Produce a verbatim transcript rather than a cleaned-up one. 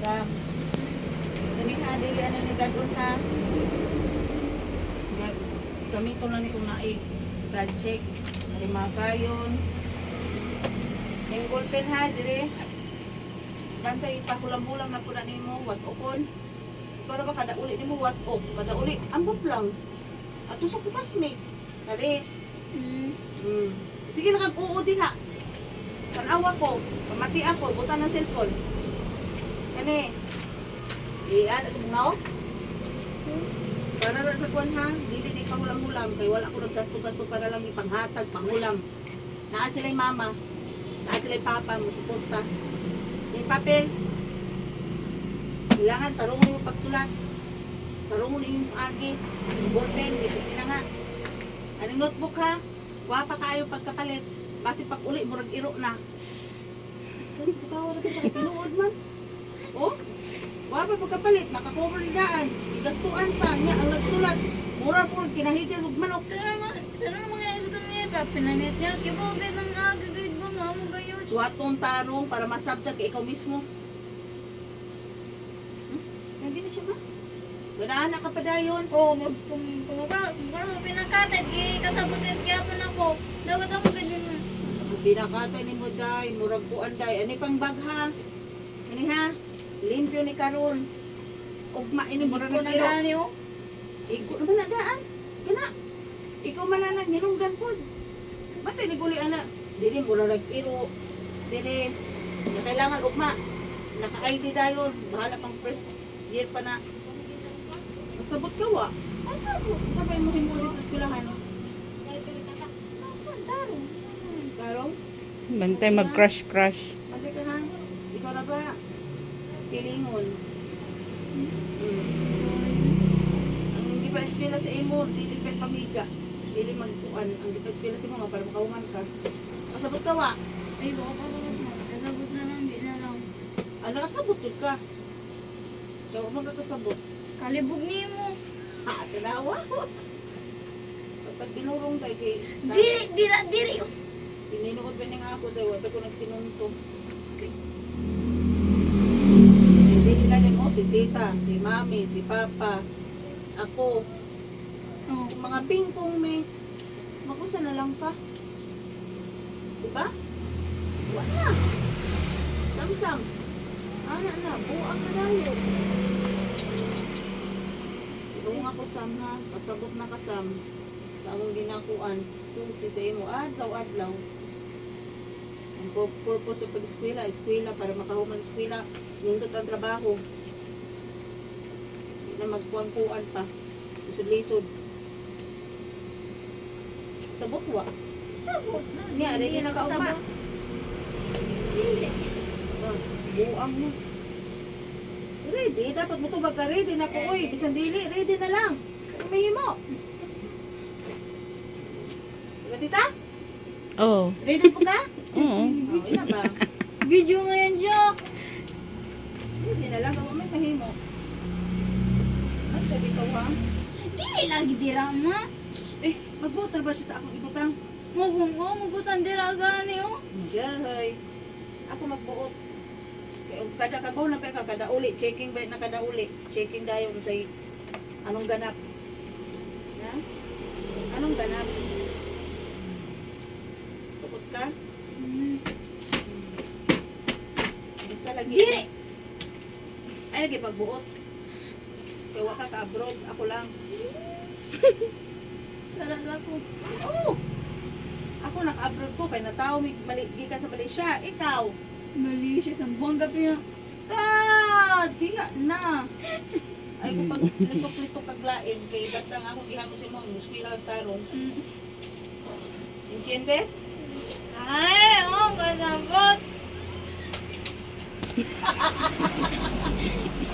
Sam. Kani ha, dili ano ni dadon ha. Gag- Kami ko na ni kung naay project. May mga crayons. Yung ballpen ha, dire. Bantay ipakulam-ulam na po na nimo, wat okon. Ikaw na ba kada uli nimo wat ok, kada uli ambot lang. Ato sa classmate. Kali. Hmm. Hmm. Sige na kag-uo din ha. Tanawa ko, pamati ako, buta ng cellphone. Kani. Eh, ano sa mga o? Para na sa kwan ha, dili na ipangulam-ulam, kay wala ko naggasto-gasto para lang ipanghatag, pangulam. Naa sila'y mama, naa sila'y papa, musuporta. Yung papel, kailangan tarungon yung pagsulat. Tarungon yung agi, yung ballpen, dito na nga. Anong notebook ha? Guwapa kayo pagkapalit. Basi pag uli, murag iro na. Ay, putawa na siya, pinuod man. Oh, guwapa pagkapalit, nakakover na daan. Igastuan pa, niya ang nagsulat. Mura po, kinahigyan ng manok. Tara naman, tara naman nga sa niya. Papinanit niya. Kibogay ng agagayad mo nga mo gayon. Suwatong tarong para masabtan kay ikaw mismo. Hmm? Hindi na siya ba? Ganahan ka pa dayon. Oo, mag kumaga, kumaga pinakatay, kasabutin kaya pa na ko. Dapat ako ganyan na. Binakatay ni mo day, murag kuan day. Ani pang bag ha? Ani ha? Limpyo ni karon. Ugma ini murag Hindi ko nagiro. nagani oh. Iko naman na daan. Gana. Ikaw malanan hinungdan pod. Batay ni guli ana. Dili mura nag-iro. Dili na kailangan ugma. Naka-I D dayon. Bahala pang first year pa na. Magsabot ka wa. Masabot. Sabay mo himuli sa eskwelahan. Tarong. Karong, Bantay mag-crush-crush. pati ka ha. Ikaw na ba? Pilingon. Hmm. Ang hindi pa eskwela sa imo, dili pa pamiga. Dili magkuan. Ang hindi pa eskwela sa imo, para makauman ka. Masabot ka wa. Ay, baka pa naman. Kasabot na lang, di na lang. Ano kasabot yun ka? Kaya huwag magkakasabot. Kalibog niyo mo. Ha, tinawa ko. Kapag binurong tayo kay... Diri, dira, diri oh. Tininuod ba nga ako tayo, wala ko nagtinunto. Hindi nila din mo, si tita, si mami, si papa, ako. Oh. Kung mga pingkong may... Makunsa na lang ka. Diba? Wala. Samsam. Ana na, buang na tayo. Tulong ako Sam ha, pasabot na ka Sam. Sa among ginakuan, sulti sa imo, adlaw-adlaw. Ang pu- purpose sa pag-eskwela, eskwela para makahuman eskwela, nindot ang trabaho. Hindi na magkuan-kuan pa. Lisod-lisod. Sabot wa. Sabot na. Niya, ready na ka uma. Sabot. Dili. Ah, buang mo. Ready, dapat mo ito magka ready na ko, oy. Bisan dili, ready na lang. May mo. Diba tita? Oo. Ready po ka? Oo. Oh, ina ba? Video nga yan, Jack. Ready na lang, kung may mahimo. Ano sabi ka ha? Dili lagi dira ma. Eh, mag-voter ba siya sa akong ibutang? Mabong ko, mabutan dira gani oh. Diyahay. Ako magbuot. Kaya og kada kagaw na pa ka, kada uli. Checking ba na kada uli. Checking dayon sa anong ganap. Ha? Anong ganap? Sukot ka? Hmm. Isa lagi. Diri. Ay, lagi pagbuot. Kaya waka ka abroad. Ako lang. Talaga ko. Oo. Ako naka-abroad ko. Kaya natao mi mali, gikan sa Malaysia. Ikaw. Mali siya sa buong gabi na. Ah, diya na. Ay, kung pag litok-litok kaglain, kay basta nga akong ihangos si mo, muskwi lang tarong. Mm. Entiendes? Ay, oh, kasabot.